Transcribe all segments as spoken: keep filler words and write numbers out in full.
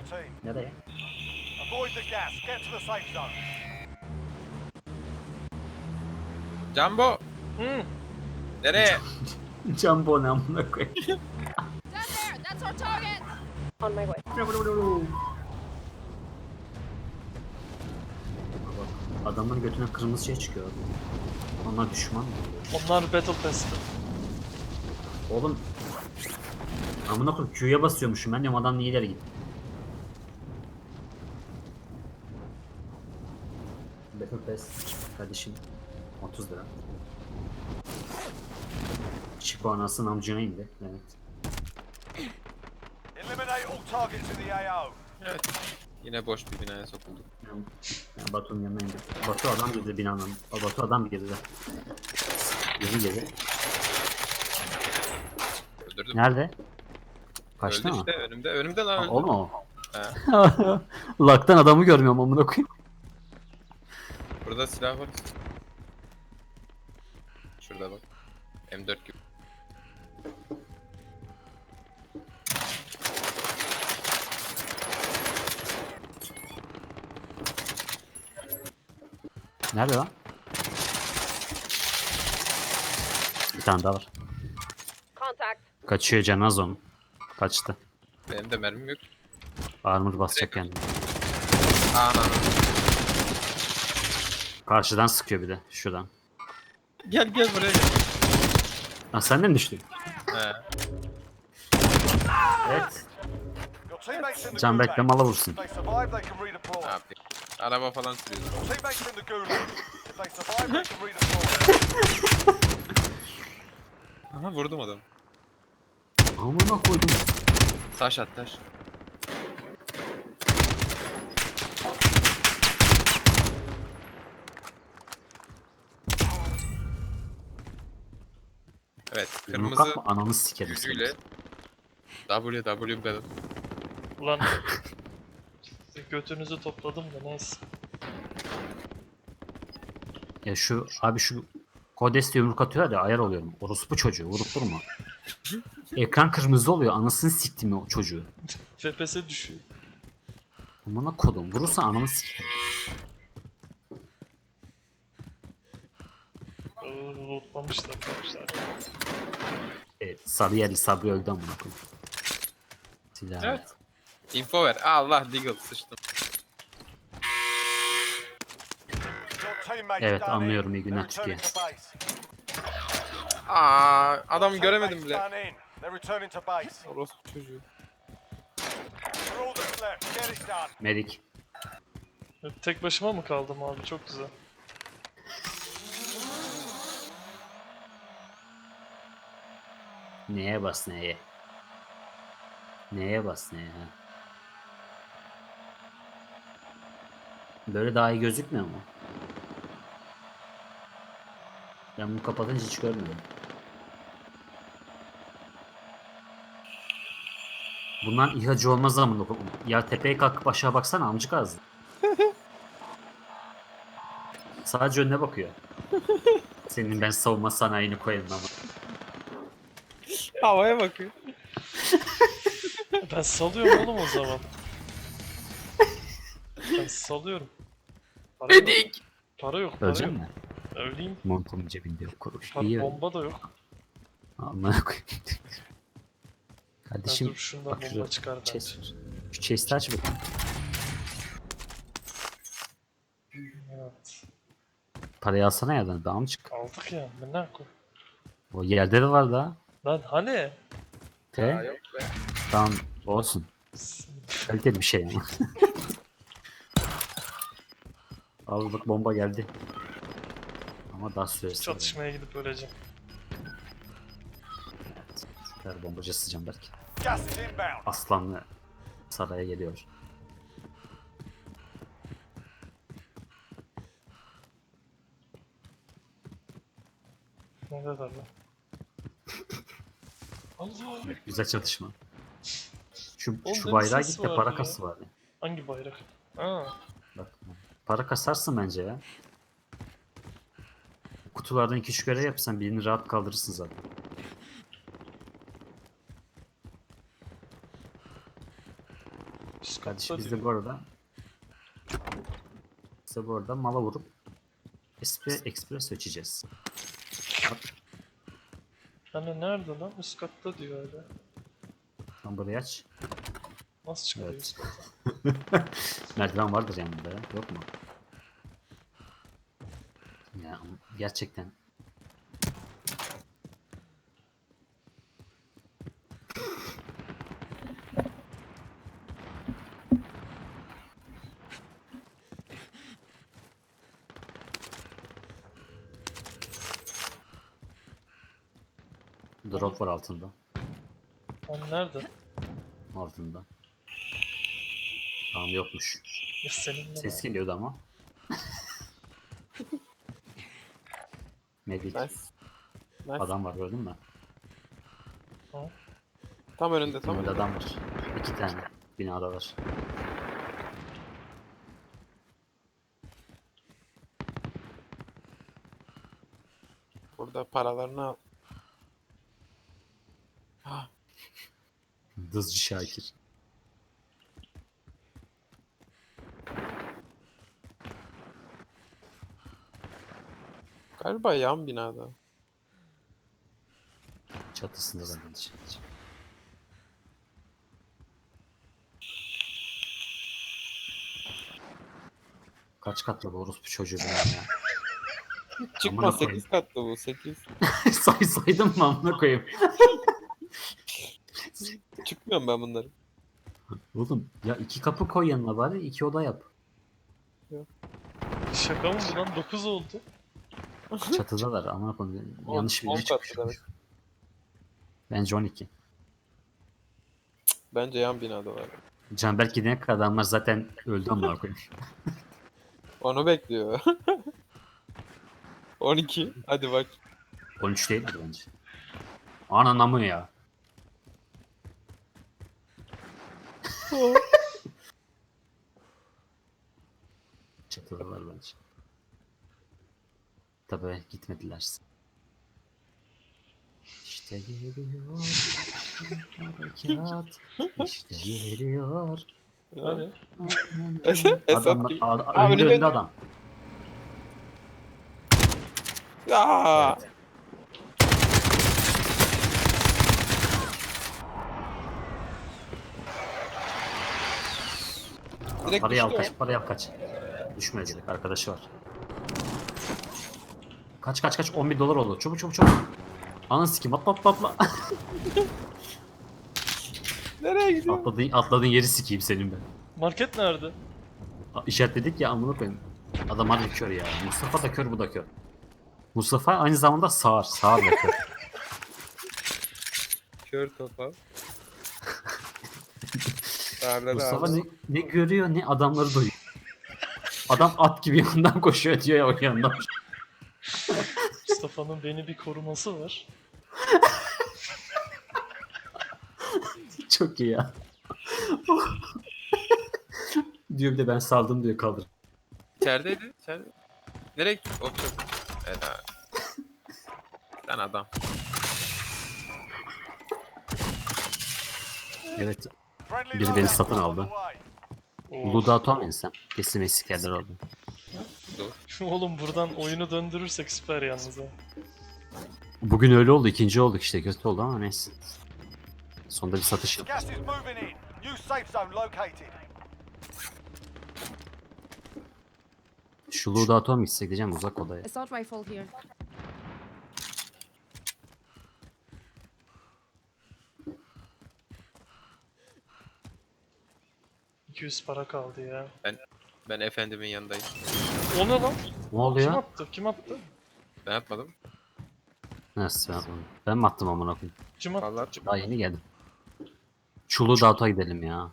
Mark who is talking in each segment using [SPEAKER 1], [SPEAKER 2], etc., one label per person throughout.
[SPEAKER 1] team.
[SPEAKER 2] Nereye?
[SPEAKER 1] Avoid the gas. Get to the safe zone.
[SPEAKER 3] Jumbo!
[SPEAKER 4] Hmm.
[SPEAKER 3] Nereye?
[SPEAKER 2] Jumbo ne amına koyayım.
[SPEAKER 5] Down there! That's our target! On my way.
[SPEAKER 2] Bak, adamın götüne kırmızı şey çıkıyor. Onlar düşman mı?
[SPEAKER 4] Onlar Battle Pass'te.
[SPEAKER 2] Oğlum. Amına koyayım Q'ya basıyormuşum ben diyorum adam niye ileri gitti. Battle Pass kardeşim otuz lira. Çipo anasının amcına indi. Evet.
[SPEAKER 1] Eliminate all targets in the A O.
[SPEAKER 3] Evet. Yine boş bir binaya sokulduk.
[SPEAKER 2] Yani, yani Batu'nun yanına indi. Batu adam girdi binanın. O Batu adam girdi. Yeni girdi.
[SPEAKER 3] Öldürdüm.
[SPEAKER 2] Nerede? Kaçtı
[SPEAKER 3] Öldü
[SPEAKER 2] mı?
[SPEAKER 3] işte önümde. Önümde lan
[SPEAKER 2] Ha,
[SPEAKER 3] öldü.
[SPEAKER 2] o mu o?
[SPEAKER 3] He.
[SPEAKER 2] Laktan adamı görmüyorum amına koyayım.
[SPEAKER 3] Burada silah var. Şurada bak. M dört gibi.
[SPEAKER 2] Nerede lan? Bir tane daha var.
[SPEAKER 5] Contact.
[SPEAKER 2] Kaçıyor canaz onun. Kaçtı.
[SPEAKER 3] Benim de mermim yok.
[SPEAKER 2] Armor basacak yani.
[SPEAKER 3] Ana.
[SPEAKER 2] Karşıdan sıkıyor bir de. Şuradan.
[SPEAKER 3] Gel gel buraya gel.
[SPEAKER 2] Ha sen de mi düştün?
[SPEAKER 3] He.
[SPEAKER 2] Evet.
[SPEAKER 1] Your teammates in the
[SPEAKER 2] Can
[SPEAKER 1] gulag.
[SPEAKER 2] bekleme ala vursun.
[SPEAKER 1] If they survive, they can redeploy.
[SPEAKER 3] Ne yapayım? Araba falan sürüyordu.
[SPEAKER 1] Your teammates in the gulag. If they survive, they can redeploy.
[SPEAKER 3] Aha vurdum adamı.
[SPEAKER 2] Amına koydum.
[SPEAKER 3] Taş at taş. Evet,
[SPEAKER 2] Bunu
[SPEAKER 3] kırmızı
[SPEAKER 2] kapma ananı sikerim
[SPEAKER 3] gücüyle
[SPEAKER 2] seni.
[SPEAKER 3] W W kadın.
[SPEAKER 4] Ulan size götünüzü topladım da neyse.
[SPEAKER 2] Ya şu abi şu Kodes'te yumruk atıyor ya ayar oluyorum. Orospu çocuğu vurup durma. Ekran kırmızı oluyor anasını siktim o çocuğu.
[SPEAKER 4] F P S düşüyor.
[SPEAKER 2] Amına kodum vurursa ananı sikerim.
[SPEAKER 4] Lootlamışlar. Lootlamışlar.
[SPEAKER 2] Evet sarı yerli sabri öldü amına koyayım. Silah.
[SPEAKER 3] Evet. Info ver. Allah Deagle sıçtım.
[SPEAKER 1] Your teammates
[SPEAKER 2] Evet,
[SPEAKER 1] done
[SPEAKER 2] anlıyorum,
[SPEAKER 1] in.
[SPEAKER 2] iyi günler
[SPEAKER 1] They're returning
[SPEAKER 2] Türkiye.
[SPEAKER 1] to base.
[SPEAKER 3] Aa, adamı
[SPEAKER 1] Your
[SPEAKER 3] göremedim
[SPEAKER 1] teammates
[SPEAKER 3] bile.
[SPEAKER 1] done in. They're returning to base.
[SPEAKER 3] Orospu çocuğu.
[SPEAKER 1] For all that's left, get it done.
[SPEAKER 2] Medik.
[SPEAKER 4] Tek başıma mı kaldım abi? Çok güzel.
[SPEAKER 2] Neye bas neye? Neye bas neye ha? Böyle daha iyi gözükmüyor mu? Ben bunu kapatınca hiç görmedim. Bundan İHA'cı olmaz ama ya tepeye kalkıp aşağı baksana amcık ağzı. Sadece önüne bakıyor. Senin ben savunma sanayini koyayım ama.
[SPEAKER 3] Havaya bakıyor.
[SPEAKER 4] Ben salıyorum oğlum o zaman. Ben salıyorum. Para yok.
[SPEAKER 3] Medik.
[SPEAKER 4] Para yok. Para
[SPEAKER 2] Ölecek
[SPEAKER 4] yok.
[SPEAKER 2] mi?
[SPEAKER 4] Öleyim.
[SPEAKER 2] Montumun cebinde yok kuruş.
[SPEAKER 4] Para,
[SPEAKER 2] İyi öyle.
[SPEAKER 4] bomba da yok.
[SPEAKER 2] Amına koyayım.
[SPEAKER 4] Ben
[SPEAKER 2] Kardeşim
[SPEAKER 4] dur şundan
[SPEAKER 2] bak
[SPEAKER 4] bomba
[SPEAKER 2] şurada
[SPEAKER 4] çıkar bence.
[SPEAKER 2] chest. Şu chest'i aç bakayım.
[SPEAKER 4] Evet.
[SPEAKER 2] Parayı alsana yerden daha mı çık?
[SPEAKER 4] Aldık ya. Ben ne koy?
[SPEAKER 2] O yerde de var daha.
[SPEAKER 4] Lan hani?
[SPEAKER 2] Te.
[SPEAKER 3] Aa, yok be.
[SPEAKER 2] Tamam olsun. Kaliteli bir şey ama. Al bak bomba geldi. Ama daha süresi var.
[SPEAKER 4] Çatışmaya gidip öleceğim.
[SPEAKER 2] Evet. Süper bombacı sıcağım belki.
[SPEAKER 1] Gas is inbound.
[SPEAKER 2] Aslanlı saraya geliyor.
[SPEAKER 4] Neredeler lan? Allah!
[SPEAKER 2] Güzel çatışma. Şu,
[SPEAKER 4] Oğlum
[SPEAKER 2] şu
[SPEAKER 4] benim
[SPEAKER 2] bayrağa
[SPEAKER 4] ses
[SPEAKER 2] git de
[SPEAKER 4] vardı
[SPEAKER 2] para
[SPEAKER 4] ya.
[SPEAKER 2] kası var. Ya.
[SPEAKER 4] Hangi bayrak? Ha.
[SPEAKER 2] Bak, para kasarsın bence ya. Kutulardan iki üç görev yapsan birini rahat kaldırırsın zaten.
[SPEAKER 4] Üst
[SPEAKER 2] Kardeşim
[SPEAKER 4] katta
[SPEAKER 2] biz
[SPEAKER 4] diyor.
[SPEAKER 2] de bu arada biz de bu arada mala vurup Espre, Espresso içeceğiz.
[SPEAKER 4] Hani nerede lan? Üst katta diyor öyle.
[SPEAKER 2] Tam burayı aç.
[SPEAKER 4] Nasıl çıkıyor
[SPEAKER 2] Evet.
[SPEAKER 4] üst kata?
[SPEAKER 2] Merdiven vardır yanında ya. Yok mu? Ya ama gerçekten. Drop var altında.
[SPEAKER 4] Hani nerede?
[SPEAKER 2] Altında. Tamam yokmuş.
[SPEAKER 4] Ya seninle
[SPEAKER 2] Ses
[SPEAKER 4] mi?
[SPEAKER 2] geliyordu ama. Medik.
[SPEAKER 3] Nice. Nice.
[SPEAKER 2] Adam var gördün mü?
[SPEAKER 3] Tam önünde tam
[SPEAKER 2] Önünde
[SPEAKER 3] önünde.
[SPEAKER 2] adam var. İki tane binada var.
[SPEAKER 3] Burada paralarını al.
[SPEAKER 2] Dızcı Şakir.
[SPEAKER 3] Galiba yan binada.
[SPEAKER 2] Çatısında da bence. Kaç katlı bu orospu çocuğu benim ya.
[SPEAKER 3] Çıkma
[SPEAKER 2] Amına koyayım.
[SPEAKER 3] sekiz katlı bu sekiz.
[SPEAKER 2] Say saydım mı amına koyayım?
[SPEAKER 3] Çıkmıyorum ben bunları.
[SPEAKER 2] Oğlum ya iki kapı koy yanına bari iki oda yap.
[SPEAKER 4] Şaka mı bu lan? dokuz oldu.
[SPEAKER 2] Çatıdalar amına koyayım.
[SPEAKER 3] On-
[SPEAKER 2] Yanlış bir
[SPEAKER 3] on
[SPEAKER 2] biri çıkmış.
[SPEAKER 3] katlı demek.
[SPEAKER 2] Bence on iki.
[SPEAKER 3] Bence yan binada var.
[SPEAKER 2] Canberk gidene kadar adamlar zaten öldü amına koyayım.
[SPEAKER 3] Onu bekliyor. on iki. Hadi bak.
[SPEAKER 2] on üç değildir bence. Ananı mı ya? Çatıdalar bence. Tabii gitmediler. İşte geliyor. Harekat. İşte geliyor.
[SPEAKER 4] Hani?
[SPEAKER 3] Esat
[SPEAKER 2] Adam,
[SPEAKER 3] kim?
[SPEAKER 2] ad,
[SPEAKER 3] Abi
[SPEAKER 2] önünde
[SPEAKER 3] önünde-
[SPEAKER 2] önünde adam.
[SPEAKER 3] Aa!
[SPEAKER 2] Evet.
[SPEAKER 3] Direkt
[SPEAKER 2] Parayı al
[SPEAKER 3] düştü
[SPEAKER 2] kaç, parayı al kaç. Düşmedi direkt, arkadaşı var. Kaç kaç kaç, on bir dolar oldu. Çabuk çabuk çabuk. Ananı sikeyim, atla atla atla.
[SPEAKER 3] Nereye gidiyor?
[SPEAKER 2] Atladığın, atladığın yeri sikeyim senin ben.
[SPEAKER 4] Market nerede?
[SPEAKER 2] A- İşaretledik ya amına koyayım. Adam harbi kör ya. Mustafa da kör, bu da kör. Mustafa aynı zamanda sağır. Sağır da kör.
[SPEAKER 3] Kör topal. Darda
[SPEAKER 2] Mustafa
[SPEAKER 3] da
[SPEAKER 2] ne, ne görüyor ne adamları duyuyor. Adam at gibi yandan koşuyor diyor ya o yandan.
[SPEAKER 4] Mustafa'nın beni bir koruması var.
[SPEAKER 2] Çok iyi ya. Diyor bir de ben saldım diyor, kaldır.
[SPEAKER 3] İçerideydi. İçeride. Nereye gitti? Hop çok. Ela. Sen adam.
[SPEAKER 2] Evet.
[SPEAKER 1] Friendly
[SPEAKER 2] Biri beni
[SPEAKER 1] loadout
[SPEAKER 2] satın
[SPEAKER 1] on
[SPEAKER 2] aldı.
[SPEAKER 1] the way.
[SPEAKER 2] Uluda atamayın kesin eskilerler oldu.
[SPEAKER 3] Dur.
[SPEAKER 4] Oğlum buradan oyunu döndürürsek süper yalnız ha.
[SPEAKER 2] Bugün öyle oldu, ikinci olduk işte, kötü oldu ama neyse. Sonunda bir satış yaptık.
[SPEAKER 1] Gas is moving in. New safe zone located.
[SPEAKER 2] Şu Luda atom mu gitsek diyeceğim, uzak odaya.
[SPEAKER 5] Assault rifle here.
[SPEAKER 4] iki yüz para kaldı ya.
[SPEAKER 3] Ben ben efendimin yanındayım.
[SPEAKER 4] O ne lan?
[SPEAKER 2] Ne
[SPEAKER 4] Kim
[SPEAKER 2] oluyor?
[SPEAKER 4] attı? Kim attı?
[SPEAKER 3] Ben yapmadım.
[SPEAKER 2] Nasıl ben atmadım? Ben mi attım amına koyayım?
[SPEAKER 4] Kim attı?
[SPEAKER 3] Vallahi
[SPEAKER 2] Daha yeni geldim. Şu Luda ata gidelim ya.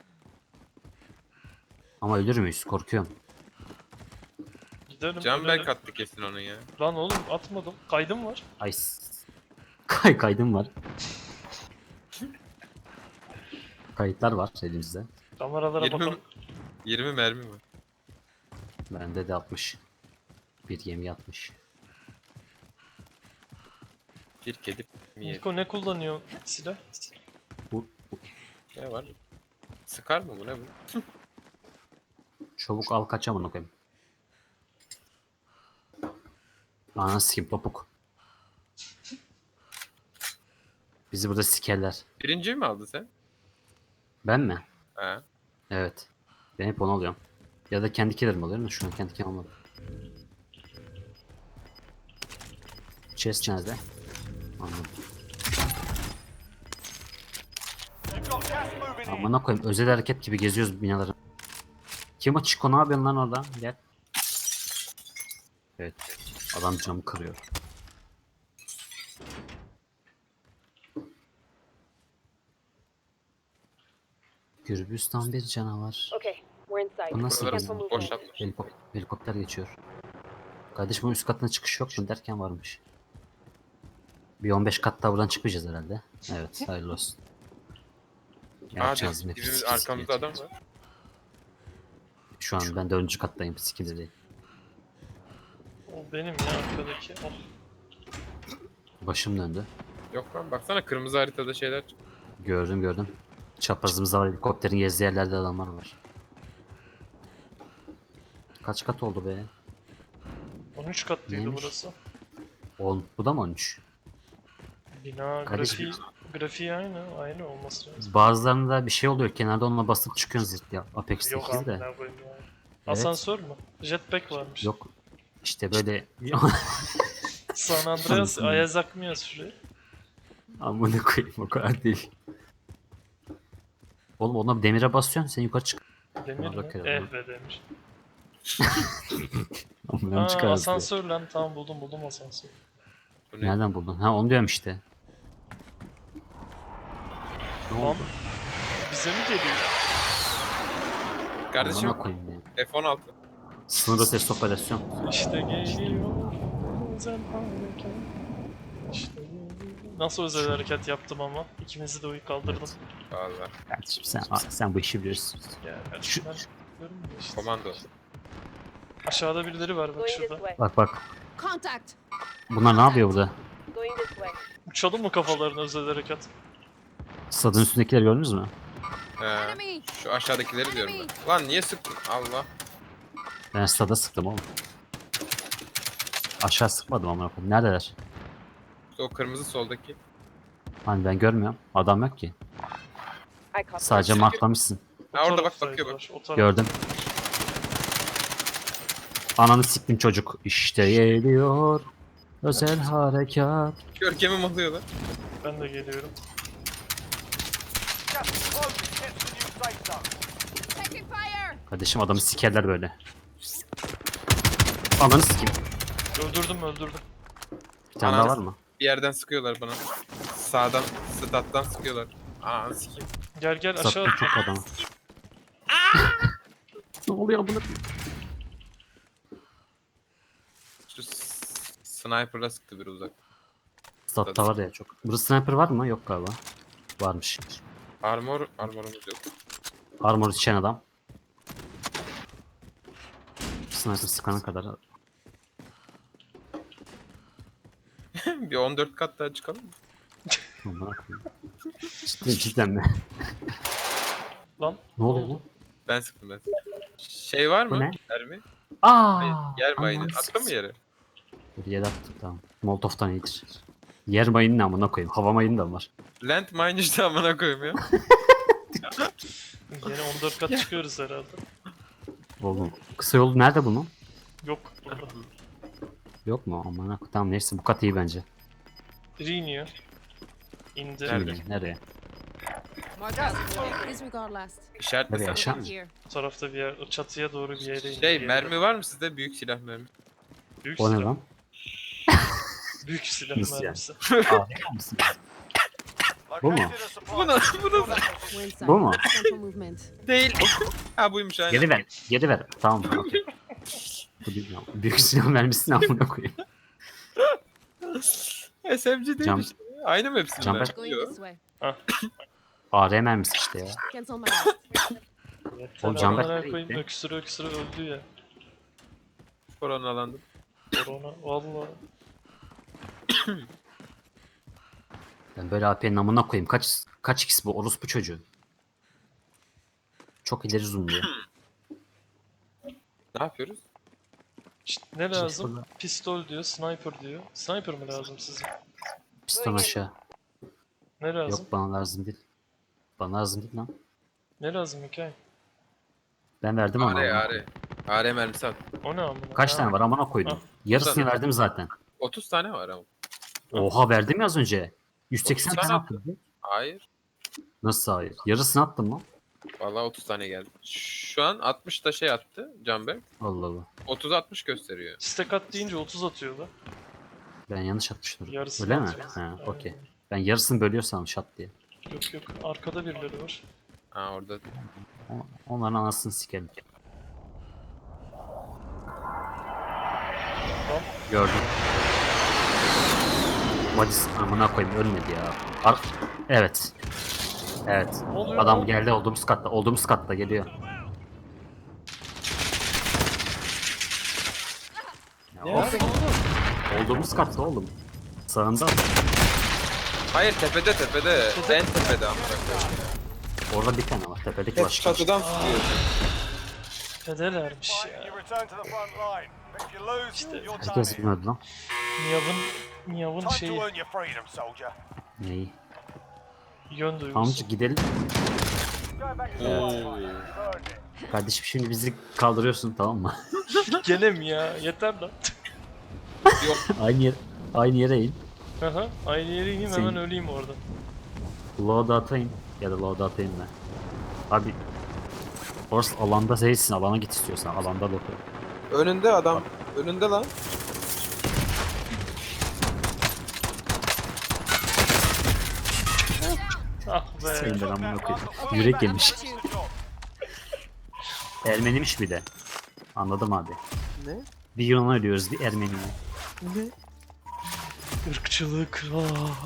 [SPEAKER 2] Ama ölür müyüz? Korkuyorum.
[SPEAKER 4] Gidelim.
[SPEAKER 3] Canberk
[SPEAKER 4] ölelim.
[SPEAKER 3] attı kesin onu ya.
[SPEAKER 4] Lan oğlum atmadım. Kaydım var.
[SPEAKER 2] Ay. s- Kay kaydım var. Kayıtlar var elimizde.
[SPEAKER 4] Kameralara
[SPEAKER 3] yirmi,
[SPEAKER 4] bakalım.
[SPEAKER 3] yirmi mermi var.
[SPEAKER 2] Bende de altmış. Bir gemi atmış.
[SPEAKER 3] Bir kedi mi yedi?
[SPEAKER 4] Niko ne kullanıyor silah?
[SPEAKER 2] Bu, bu
[SPEAKER 3] Ne var? Sıkar mı bu ne bu?
[SPEAKER 2] Çabuk al kaç amına koyayım. Ananı sikeyim topuk. Bizi burada sikerler.
[SPEAKER 3] Birinci mi aldın sen?
[SPEAKER 2] Ben mi?
[SPEAKER 3] He.
[SPEAKER 2] Evet. Ben hep onu alıyorum. Ya da kendi killerimi alıyorum da şu an kendi killerimi almadım. Chest nerede? Anladım.
[SPEAKER 1] You've got gas moving in.
[SPEAKER 2] Amına koyayım özel hareket gibi geziyoruz binaların. Kim o Chico ne yapıyorsun lan orada? Gel. Evet. Adam camı kırıyor. Gürbüstan bir canavar.
[SPEAKER 5] Okay, we're inside.
[SPEAKER 2] Bu nasıl
[SPEAKER 3] Buraları
[SPEAKER 2] bir
[SPEAKER 5] Cancel
[SPEAKER 3] boş
[SPEAKER 5] movement.
[SPEAKER 3] yapmış.
[SPEAKER 2] Helikop- helikopter geçiyor. Kardeşim üst katına çıkış yok mu derken varmış. Bir on beş kat daha buradan çıkmayacağız herhalde. Evet hayırlı olsun.
[SPEAKER 3] Hadi
[SPEAKER 2] Yapacağız mı?
[SPEAKER 3] dibimiz arkamızda adam var.
[SPEAKER 2] Şu an ben dördüncü kattayım. Sikinde değil.
[SPEAKER 4] O benim ya arkadaki. Oh.
[SPEAKER 2] Başım döndü.
[SPEAKER 3] Yok lan baksana kırmızı haritada şeyler. çık-
[SPEAKER 2] Gördüm gördüm. Çaprazımızda var. Helikopterin gezdiği yerlerde adamlar var. Kaç kat oldu be?
[SPEAKER 4] on üç katlıydı
[SPEAKER 2] Neymiş?
[SPEAKER 4] burası.
[SPEAKER 2] on. Bu da mı on üç?
[SPEAKER 4] Bina
[SPEAKER 2] Kardeşim.
[SPEAKER 4] grafiği, grafiği aynı. Aynı olması lazım.
[SPEAKER 2] Bazılarında bir şey oluyor. Kenarda onunla basıp çıkıyorsun zırt ya. Apex
[SPEAKER 4] Yok
[SPEAKER 2] sekiz
[SPEAKER 4] abi
[SPEAKER 2] de.
[SPEAKER 4] ne koyayım ya. Asansör mü? Jetpack varmış.
[SPEAKER 2] Yok. İşte böyle
[SPEAKER 4] San Andreas
[SPEAKER 2] Anladım.
[SPEAKER 4] Ayaz akmıyor şuraya.
[SPEAKER 2] amına koyayım o kadar değil. Oğlum ona demire basıyorsun sen yukarı çık.
[SPEAKER 4] Demir mi?
[SPEAKER 2] bakıyorum.
[SPEAKER 4] Eh be demiş.
[SPEAKER 2] Amına
[SPEAKER 4] Aa,
[SPEAKER 2] çıkar.
[SPEAKER 4] asansör lan tamam buldum buldum asansör.
[SPEAKER 3] Bu ne?
[SPEAKER 2] Nereden buldun? Ha onu diyorum işte. Ne
[SPEAKER 4] Lan
[SPEAKER 2] oldu?
[SPEAKER 4] bize mi geliyor?
[SPEAKER 3] Kardeşim
[SPEAKER 2] Amına koyayım ya.
[SPEAKER 3] F on altı.
[SPEAKER 2] Sınır ötesi operasyon.
[SPEAKER 4] İşte geliyor özel harekat. İşte geliyor. Nasıl özel harekat yaptım ama? İkinizi de uyu kaldırdım.
[SPEAKER 3] Valla.
[SPEAKER 2] Kardeşim sen, sen bu işi biliyorsun.
[SPEAKER 4] Ya
[SPEAKER 2] Şu-
[SPEAKER 4] kardeşim ben diyorum ya işte.
[SPEAKER 3] Komando.
[SPEAKER 4] Aşağıda birileri var bak
[SPEAKER 5] Going this
[SPEAKER 4] şurada.
[SPEAKER 5] way.
[SPEAKER 2] Bak bak.
[SPEAKER 5] Contact.
[SPEAKER 2] Bunlar ne yapıyor burada?
[SPEAKER 5] Going this way.
[SPEAKER 4] Uçalım mı kafalarına özel harekat?
[SPEAKER 2] Stadın üstündekileri gördünüz mü?
[SPEAKER 3] He.
[SPEAKER 5] Enemy.
[SPEAKER 3] Şu aşağıdakileri diyorum ben. Lan niye sıktın? Allah.
[SPEAKER 2] Ben stada sıktım oğlum. Aşağı sıkmadım amına koyayım. Neredeler?
[SPEAKER 3] O kırmızı soldaki.
[SPEAKER 2] Hani ben görmüyorum. Adam yok ki.
[SPEAKER 5] I copy.
[SPEAKER 2] Sadece marklamışsın.
[SPEAKER 4] O
[SPEAKER 3] Ha, orada bak,
[SPEAKER 4] taraftaydılar,
[SPEAKER 3] bakıyor
[SPEAKER 4] O taraf.
[SPEAKER 2] Gördüm. Ananı siktim çocuk. İşte geliyor. Özel harekat.
[SPEAKER 3] Görkemim oluyor lan.
[SPEAKER 4] Ben de geliyorum.
[SPEAKER 1] Gas is closing. Get to the new safe zone.
[SPEAKER 5] Taking fire.
[SPEAKER 2] Kardeşim adamı sikerler böyle. Ananı sikeyim.
[SPEAKER 4] Öldürdüm öldürdüm.
[SPEAKER 2] Bir tane daha
[SPEAKER 3] Ananı
[SPEAKER 2] var mı?
[SPEAKER 3] Bir yerden sıkıyorlar bana. Sağdan, stat'tan sıkıyorlar. Ananı sikeyim.
[SPEAKER 4] Gel gel aşağı
[SPEAKER 2] Sattım çok
[SPEAKER 4] atla.
[SPEAKER 2] adamı. Ne oluyor bunu?
[SPEAKER 3] Şu s- sniper'la sıktı bir uzak.
[SPEAKER 2] Statta var ya çok. Burada sniper var mı? Yok galiba. Varmış.
[SPEAKER 3] Armor, armorumuz yok.
[SPEAKER 2] Armor içen adam. Sniper sıkana kadar.
[SPEAKER 3] Bir on dört kat daha çıkalım mı?
[SPEAKER 2] Aman Allah'ım. Cidden, cidden mi?
[SPEAKER 4] Lan
[SPEAKER 2] Ne oluyor lan?
[SPEAKER 3] Ben sıktım ben. sıktım. Şey var
[SPEAKER 2] Bu
[SPEAKER 3] mı?
[SPEAKER 2] ne?
[SPEAKER 3] Mermi?
[SPEAKER 2] Aa!
[SPEAKER 3] Hayır, yer mayını.
[SPEAKER 2] Aman
[SPEAKER 3] Attın mı yere?
[SPEAKER 2] Dur yere attık tamam. Molotov'tan iyidir. Yer mayını ne amına koyayım. Hava mayını da var.
[SPEAKER 3] Land mine işte amına koyayım ya.
[SPEAKER 4] yine on dört kat çıkıyoruz herhalde.
[SPEAKER 2] Oğlum kısa yolu nerede bunun?
[SPEAKER 4] Yok burada.
[SPEAKER 2] Yok mu? Aman koyayım. Tamam neyse bu kat iyi bence.
[SPEAKER 4] Biri iniyor. İndi.
[SPEAKER 3] Nerede?
[SPEAKER 2] İyi, nereye?
[SPEAKER 5] Mark out. Disregard last.
[SPEAKER 3] İşaretle
[SPEAKER 2] Nereye
[SPEAKER 3] sen.
[SPEAKER 2] aşağı mı?
[SPEAKER 5] Here.
[SPEAKER 4] Bu tarafta bir yer, o çatıya doğru bir yere indi.
[SPEAKER 3] Şey
[SPEAKER 4] Geri
[SPEAKER 3] mermi
[SPEAKER 4] dön.
[SPEAKER 3] var mı sizde? Büyük silah mermi.
[SPEAKER 4] Büyük
[SPEAKER 2] O ne
[SPEAKER 4] silah.
[SPEAKER 2] lan?
[SPEAKER 4] Büyük silah
[SPEAKER 2] Nasıl yani?
[SPEAKER 4] mermisi.
[SPEAKER 2] Aa, mısın? Bu mu?
[SPEAKER 1] Located a supply
[SPEAKER 3] Bu ne?
[SPEAKER 1] drop.
[SPEAKER 3] Bu ne?
[SPEAKER 5] We're inside.
[SPEAKER 2] Bu mu?
[SPEAKER 5] Central movement.
[SPEAKER 3] Değil. Ha buymuş aynen.
[SPEAKER 2] Geri ver. Geri ver. Tamam. okey. Bu değil ya. Büyük silah vermişsin amına koyayım.
[SPEAKER 3] S M G değil
[SPEAKER 2] Cam-
[SPEAKER 3] işte. Aynı mı hepsinde?
[SPEAKER 2] Camper-
[SPEAKER 5] Going
[SPEAKER 3] Yok.
[SPEAKER 5] this way.
[SPEAKER 2] A R mermisi işte ya.
[SPEAKER 5] Cancel my last.
[SPEAKER 4] Yeter
[SPEAKER 2] Oğlum Canberk
[SPEAKER 4] amına
[SPEAKER 2] nereye
[SPEAKER 4] koyayım,
[SPEAKER 2] gitti?
[SPEAKER 4] öksürü öksürü öldü ya.
[SPEAKER 3] Koronalandım.
[SPEAKER 4] Korona valla.
[SPEAKER 2] Ben böyle A P'nin amına koyayım. Kaç kaç x bu orospu çocuğu? Çok ileri zoomluyor.
[SPEAKER 3] Ne yapıyoruz?
[SPEAKER 4] İşte ne lazım?
[SPEAKER 2] Pistol-
[SPEAKER 4] Pistol diyor, sniper diyor. Sniper mı lazım size?
[SPEAKER 2] Piston aşağı.
[SPEAKER 4] Ne lazım?
[SPEAKER 2] Yok bana lazım değil. Bana lazım değil lan.
[SPEAKER 4] Ne lazım hikaye?
[SPEAKER 2] Ben verdim ama.
[SPEAKER 3] Are
[SPEAKER 2] amına
[SPEAKER 3] are.
[SPEAKER 2] koyayım.
[SPEAKER 3] Are mermisi at.
[SPEAKER 4] O ne amına?
[SPEAKER 2] Kaç
[SPEAKER 4] Ha,
[SPEAKER 2] tane var amına koydum.
[SPEAKER 4] Ah.
[SPEAKER 2] Yarısını
[SPEAKER 3] Burada.
[SPEAKER 2] verdim zaten.
[SPEAKER 3] otuz tane var ama.
[SPEAKER 2] Oha verdim ya az önce. yüz seksen
[SPEAKER 3] otuz
[SPEAKER 2] tane
[SPEAKER 3] tane
[SPEAKER 2] attım.
[SPEAKER 3] Hayır.
[SPEAKER 2] Nasıl hayır? Yarısını attım lan.
[SPEAKER 3] Vallahi otuz tane geldi. Şu an altmış da şey attı Canberk.
[SPEAKER 2] Allah Allah.
[SPEAKER 3] otuz altmış gösteriyor.
[SPEAKER 4] Stack at deyince otuz atıyor da.
[SPEAKER 2] Ben yanlış atmıştım.
[SPEAKER 4] Yarısını
[SPEAKER 2] Öyle mi?
[SPEAKER 4] atıyor.
[SPEAKER 2] Ha,
[SPEAKER 4] Aynen.
[SPEAKER 2] okey. Ben yarısını bölüyorsam şat diye.
[SPEAKER 4] Yok yok, arkada birileri var.
[SPEAKER 3] Ha orada.
[SPEAKER 2] O- Onların anasını sikerim.
[SPEAKER 4] Tamam.
[SPEAKER 2] Gördüm. Vadis amına koyayım ölmedi ya. Ar evet. Evet.
[SPEAKER 4] Ne oluyor
[SPEAKER 2] Adam
[SPEAKER 4] lan?
[SPEAKER 2] geldi olduğumuz katta. Olduğumuz katta geliyor. Ya
[SPEAKER 4] Ne
[SPEAKER 2] of,
[SPEAKER 4] yapıyorsun oğlum?
[SPEAKER 2] olduğumuz katta oğlum. Sağında.
[SPEAKER 3] Hayır tepede tepede. En tepede amına koyayım.
[SPEAKER 2] Orada bir tane var. Tepedeki
[SPEAKER 3] Hep
[SPEAKER 2] başka.
[SPEAKER 3] çatıdan sıkıyor.
[SPEAKER 4] Fedelermiş
[SPEAKER 1] Fight,
[SPEAKER 4] ya.
[SPEAKER 1] you return to the front line. If you lose,
[SPEAKER 4] İşte
[SPEAKER 1] you're done
[SPEAKER 2] Herkes
[SPEAKER 1] here.
[SPEAKER 2] bilmiyordu lan.
[SPEAKER 4] Miyav'ın Miyav'ın
[SPEAKER 1] Time to
[SPEAKER 4] şeyi
[SPEAKER 1] earn your freedom, soldier.
[SPEAKER 2] Neyi?
[SPEAKER 4] yön duygusu.
[SPEAKER 2] Amca gidelim.
[SPEAKER 1] Go back to the
[SPEAKER 3] Oo.
[SPEAKER 1] fight, mate. You've earned it.
[SPEAKER 2] Kardeşim şimdi bizi kaldırıyorsun tamam mı?
[SPEAKER 4] Gene mi ya? Yeter lan.
[SPEAKER 2] aynı yer, aynı yere in.
[SPEAKER 4] Aha, aynı yere ineyim
[SPEAKER 2] Sen-
[SPEAKER 4] hemen öleyim orada.
[SPEAKER 2] Loadout'a atayım. Ya da loadout'a in ben. Abi orası alanda değilsin. Alana git istiyorsan. Alanda loadout.
[SPEAKER 3] Önünde adam. Önünde lan.
[SPEAKER 4] Ah be.
[SPEAKER 2] Senin ben amına
[SPEAKER 1] Now,
[SPEAKER 2] koyayım.
[SPEAKER 1] well,
[SPEAKER 2] Yürek
[SPEAKER 1] better
[SPEAKER 2] yemiş.
[SPEAKER 1] finish the job.
[SPEAKER 2] Ermenimiş bir de. Anladım abi.
[SPEAKER 3] Ne?
[SPEAKER 2] Bir Yunan ölüyoruz bir Ermeni'ye.
[SPEAKER 3] Ne?
[SPEAKER 4] Irkçılık. Ah.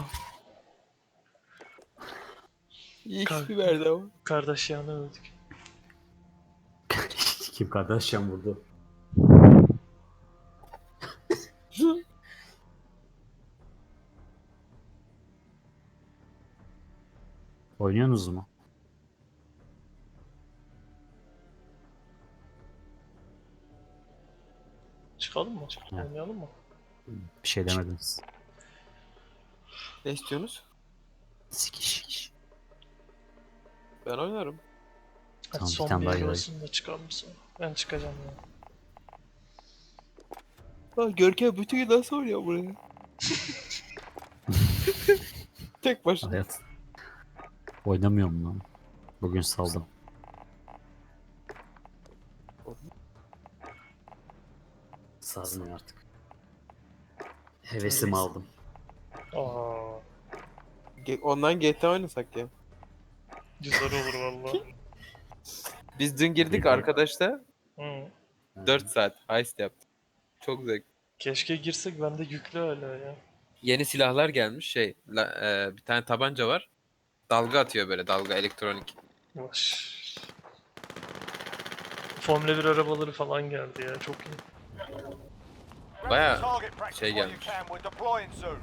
[SPEAKER 3] İyi
[SPEAKER 4] Kalk.
[SPEAKER 3] ismi verdi ama.
[SPEAKER 4] Kardeş yanı öldük.
[SPEAKER 2] Kim Kardashian vurdu? Oynuyorsunuz mu?
[SPEAKER 4] Çıkalım mı?
[SPEAKER 2] Evet.
[SPEAKER 4] Oynayalım mı?
[SPEAKER 2] Bir şey demediniz.
[SPEAKER 3] Ne istiyorsunuz?
[SPEAKER 2] Sikiş.
[SPEAKER 3] Ben oynarım.
[SPEAKER 4] Hadi
[SPEAKER 2] Tamam, bir
[SPEAKER 4] son
[SPEAKER 2] tane
[SPEAKER 4] bir
[SPEAKER 2] daha
[SPEAKER 4] el
[SPEAKER 2] yürü.
[SPEAKER 4] olsun da çıkalım sonra. Ben çıkacağım ya.
[SPEAKER 3] Lan Görkem bütün gün nasıl oynuyor buraya? Tek başına.
[SPEAKER 2] Hayat. Oynamıyorum lan. Bugün saldım. Sazmıyor artık. Hevesimi aldım.
[SPEAKER 4] Aa,
[SPEAKER 3] Ge- Online G T A oynasak ya.
[SPEAKER 4] güzel olur valla.
[SPEAKER 3] Biz dün girdik
[SPEAKER 2] G T A.
[SPEAKER 3] arkadaşla.
[SPEAKER 4] Hı.
[SPEAKER 3] dört saat heist yaptık. Çok zevk.
[SPEAKER 4] Keşke girsek, bende yüklü hala ya.
[SPEAKER 3] Yeni silahlar gelmiş şey. la- e, bir tane tabanca var. Dalga atıyor böyle dalga elektronik.
[SPEAKER 4] Yavaş. Formula bir arabaları falan geldi ya, çok iyi.
[SPEAKER 1] Grab
[SPEAKER 3] Bayağı
[SPEAKER 1] some target practice
[SPEAKER 3] şey
[SPEAKER 1] while you
[SPEAKER 3] gelmiş.
[SPEAKER 1] can. We're deploying soon.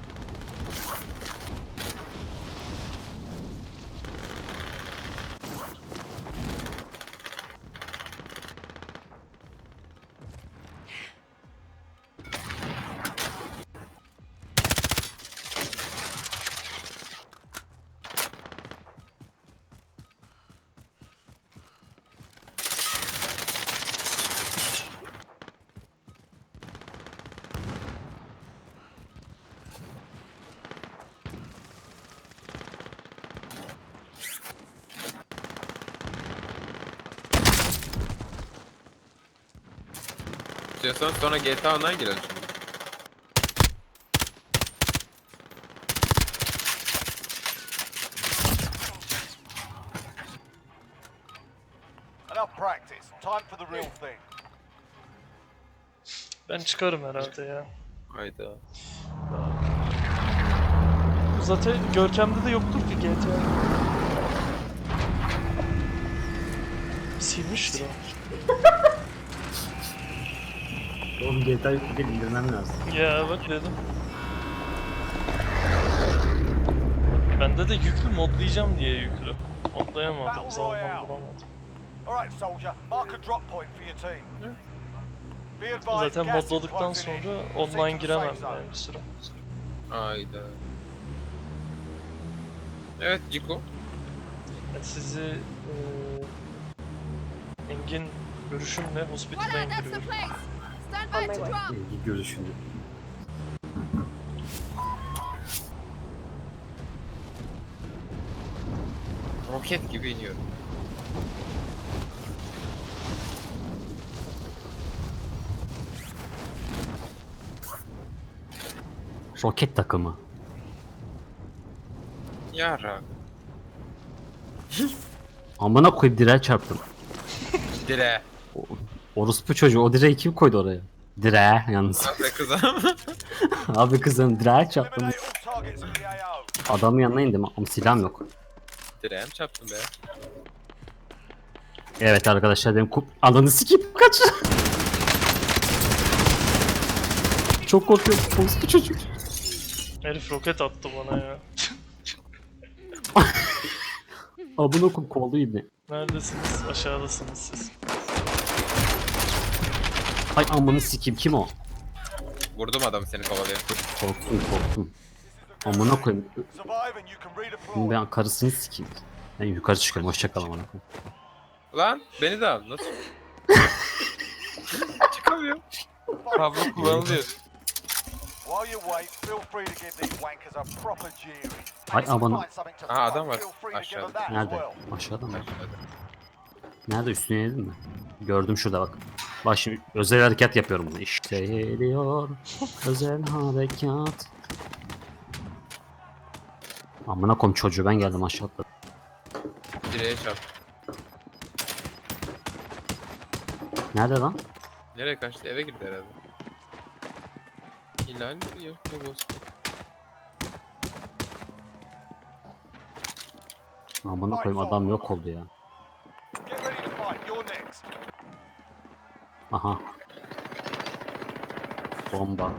[SPEAKER 3] İstiyorsan sonra G T A Online girelim şimdi.
[SPEAKER 1] Enough practice. Time for the real thing.
[SPEAKER 4] Ben çıkarım herhalde ya.
[SPEAKER 3] Hayda.
[SPEAKER 4] Zaten Görkem'de de yoktur ki G T A. Silmiştir o.
[SPEAKER 2] Oğlum G T A'yı bir indirmem lazım.
[SPEAKER 4] Ya bak dedim. Bende de yüklü, modlayacağım diye yüklü. Modlayamadım, zaman bulamadım.
[SPEAKER 1] Alright, soldier. Mark a drop point for your team. Be advised,
[SPEAKER 4] Zaten
[SPEAKER 1] gas is
[SPEAKER 4] modladıktan
[SPEAKER 1] closing in.
[SPEAKER 4] sonra
[SPEAKER 1] Proceed
[SPEAKER 4] online
[SPEAKER 1] to the
[SPEAKER 4] giremem
[SPEAKER 1] safe zone.
[SPEAKER 4] yani bir süre.
[SPEAKER 3] Ayda. Evet Ciko.
[SPEAKER 4] Yani sizi eee Engin görüşümle
[SPEAKER 5] Voila,
[SPEAKER 4] hospital'a
[SPEAKER 5] that's the
[SPEAKER 4] indiriyorum.
[SPEAKER 5] place. Stand by to drop.
[SPEAKER 2] İlgi görüşünü.
[SPEAKER 3] Roket gibi iniyorum.
[SPEAKER 2] Roket takımı.
[SPEAKER 3] Yara.
[SPEAKER 2] Amına koyup direğe çarptım.
[SPEAKER 3] Dire.
[SPEAKER 2] Orospu çocuğu o direği kim koydu oraya? Direğe yalnız.
[SPEAKER 3] Be kızım.
[SPEAKER 2] Abi kızım direğe çarptım.
[SPEAKER 1] Eliminate all targets in the A O.
[SPEAKER 2] Adamın yanına indim ama silahım yok.
[SPEAKER 3] Direğim çarptım be.
[SPEAKER 2] Evet arkadaşlar benim kup... Ananı sikip kaç. Çok korkuyorum. Orospu çocuk.
[SPEAKER 4] Herif roket attı bana ya.
[SPEAKER 2] Amına koyup kovalıyor ibne.
[SPEAKER 4] Neredesiniz? Aşağıdasınız siz.
[SPEAKER 2] Hay amını sikeyim kim o?
[SPEAKER 3] Vurdum adamı seni kovalıyor.
[SPEAKER 2] Korktum korktum. Amına koyayım.
[SPEAKER 1] Survive and you can
[SPEAKER 2] Şimdi
[SPEAKER 1] redeploy.
[SPEAKER 2] ben karısını sikeyim. Ben yukarı çıkıyorum. Hoşça kal amına koyayım.
[SPEAKER 3] Lan beni de al. Nasıl? Çıkamıyorum. Kablo kullanılıyor.
[SPEAKER 1] While you wait, feel free to give these wankers a proper jeering.
[SPEAKER 2] Hay aman.
[SPEAKER 1] Find something to
[SPEAKER 3] Aa, adam
[SPEAKER 1] throw,
[SPEAKER 3] var.
[SPEAKER 1] feel free to give
[SPEAKER 3] Aşağıda.
[SPEAKER 1] them that as
[SPEAKER 2] Nerede?
[SPEAKER 1] well.
[SPEAKER 2] Aşağıda mı?
[SPEAKER 3] Aşağıda.
[SPEAKER 2] Nerede üstüne yedin mi? Gördüm şurada bak. Bak şimdi özel harekat yapıyorum bunu. İşte geliyor özel harekat. Amına koyayım çocuğu ben geldim aşağıda.
[SPEAKER 3] Direğe çarptım.
[SPEAKER 2] Nerede lan?
[SPEAKER 3] Nereye kaçtı? Eve girdi herhalde. İlal yok. Yok olsun.
[SPEAKER 2] Amına koyayım adam yok oldu ya.
[SPEAKER 1] Get ready to fight. You're next.
[SPEAKER 2] Aha. Bomba.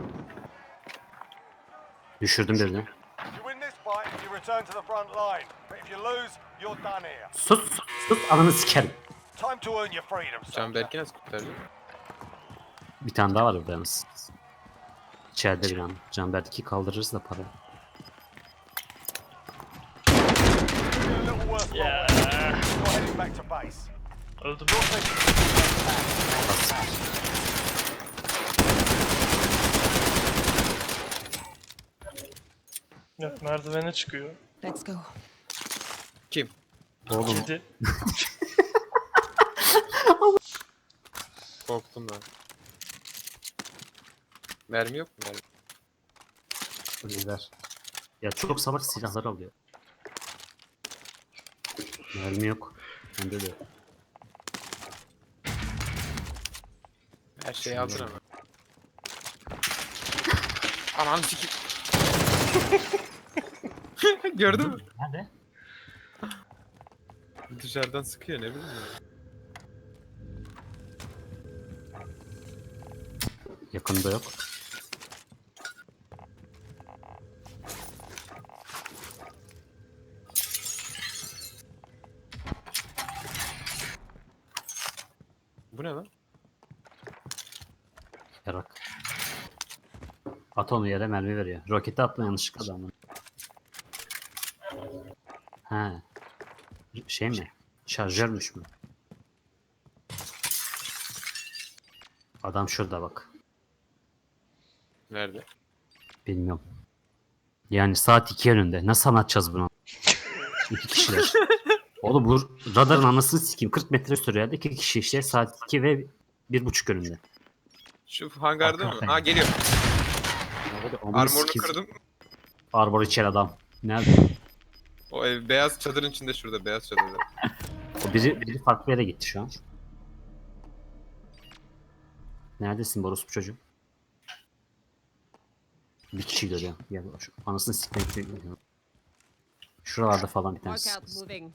[SPEAKER 2] Düşürdüm birini.
[SPEAKER 1] You win this fight, you return to the front line. But if you lose, you're done here.
[SPEAKER 2] Sus sus sus ananı sikerim.
[SPEAKER 1] Time to earn your freedom, soldier.
[SPEAKER 3] Canberk'i nasıl kurtardı?
[SPEAKER 2] Bir tane daha var burada yalnız. İçeride bir an. Canberk'i kaldırırız da para.
[SPEAKER 1] You're a little worse
[SPEAKER 4] Yeah.
[SPEAKER 1] You're heading back to base.
[SPEAKER 4] Öldüm.
[SPEAKER 1] You're taking
[SPEAKER 4] Yok, merdivene çıkıyor.
[SPEAKER 5] Let's go.
[SPEAKER 3] Kim?
[SPEAKER 2] Oğlum
[SPEAKER 4] Kedi.
[SPEAKER 3] Korktum ben. Mermi yok mu? Mermi.
[SPEAKER 2] neler. Ya çok savaş silahları alıyor. Mermi yok. Bende de yok.
[SPEAKER 3] Her şeyi aldın ama. Ananı sikeyim. Gördün mü?
[SPEAKER 2] Nerede?
[SPEAKER 3] Dışarıdan sıkıyor ne bileyim ya.
[SPEAKER 2] Yakında yok.
[SPEAKER 3] Bu ne lan?
[SPEAKER 2] Yarak. At onu yere mermi veriyor. Roketi atma yanlışlıkla adamın. He. Şey mi? Şarjörmüş mü? Adam şurada bak.
[SPEAKER 3] Nerede?
[SPEAKER 2] Bilmiyorum. Yani saat iki önünde. Nasıl anlatacağız bunu? İki kişiler. Oğlum bu radarın anasını sikeyim. kırk metre sürüyor. İki kişi işte saat iki ve bir buçuk önünde.
[SPEAKER 3] Şu hangarda mı?
[SPEAKER 2] Hakikaten.
[SPEAKER 3] Ha geliyor.
[SPEAKER 2] Amına
[SPEAKER 3] Armorunu
[SPEAKER 2] sikeyim.
[SPEAKER 3] kırdım.
[SPEAKER 2] Arbor içeri adam. Nerede?
[SPEAKER 3] O ev beyaz çadırın içinde şurada beyaz çadırda.
[SPEAKER 2] O biri, biri farklı yere gitti şu an. Neredesin Boros bu çocuğum? Bir kişi görüyor. Ya şu anasını sikmek görüyor. Şuralarda falan bir tanesi.
[SPEAKER 5] Mark out moving.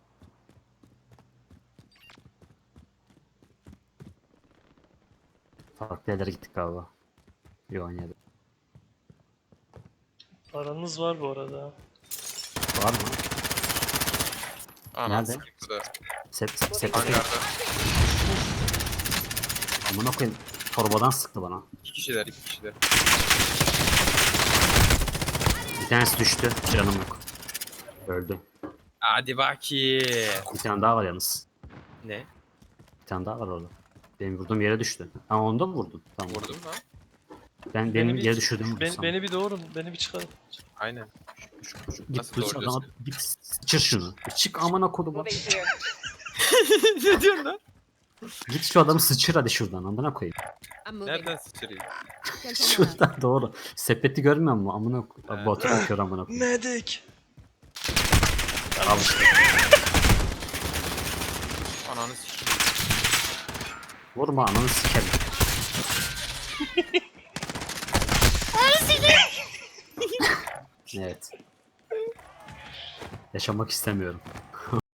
[SPEAKER 2] Farklı yerlere gittik galiba. Yok aynı yerde.
[SPEAKER 4] Paranız var bu arada.
[SPEAKER 2] Var mı?
[SPEAKER 3] Ananı
[SPEAKER 2] Nerede?
[SPEAKER 3] sikeyim burada.
[SPEAKER 2] Sep, sep, sepete.
[SPEAKER 3] Hangarda.
[SPEAKER 2] Amına koyayım. Torbadan sıktı bana.
[SPEAKER 3] İki kişiler iki kişiler.
[SPEAKER 2] Bir tanesi düştü. Canım yok. Öldü.
[SPEAKER 3] Hadi bakayım.
[SPEAKER 2] Bir tane daha var yalnız.
[SPEAKER 3] Ne?
[SPEAKER 2] Bir tane daha var orada. Benim vurduğum yere düştü. Ha onu da mı vurdun? Tamam.
[SPEAKER 3] Vurdum lan.
[SPEAKER 2] Ben
[SPEAKER 4] Beni
[SPEAKER 2] benim
[SPEAKER 4] bir-
[SPEAKER 2] yere düşürdüğümü vurdum
[SPEAKER 4] Ben,
[SPEAKER 2] sana.
[SPEAKER 4] beni bir doğurun, beni bir çıkarın.
[SPEAKER 3] Aynen.
[SPEAKER 2] Git
[SPEAKER 3] Nasıl
[SPEAKER 2] bıç
[SPEAKER 3] doğruyorsun?
[SPEAKER 2] adama git sıçır şunu. Bir çık amına koduma.
[SPEAKER 5] Moving here.
[SPEAKER 3] Ne diyorsun lan?
[SPEAKER 2] Git şu adamı sıçır hadi şuradan amına koyayım.
[SPEAKER 5] I'm moving.
[SPEAKER 3] Nereden sıçrayım?
[SPEAKER 5] Gel sonra.
[SPEAKER 2] Şuradan doğru. Sepeti görmüyor musun? Amına koyayım.
[SPEAKER 3] Evet.
[SPEAKER 2] Botu bakıyor amına koyayım.
[SPEAKER 4] Medik.
[SPEAKER 2] Al işte.
[SPEAKER 3] Ananı sikeyim.
[SPEAKER 2] Vurma ananı sikerim. Evet. Yaşamak istemiyorum.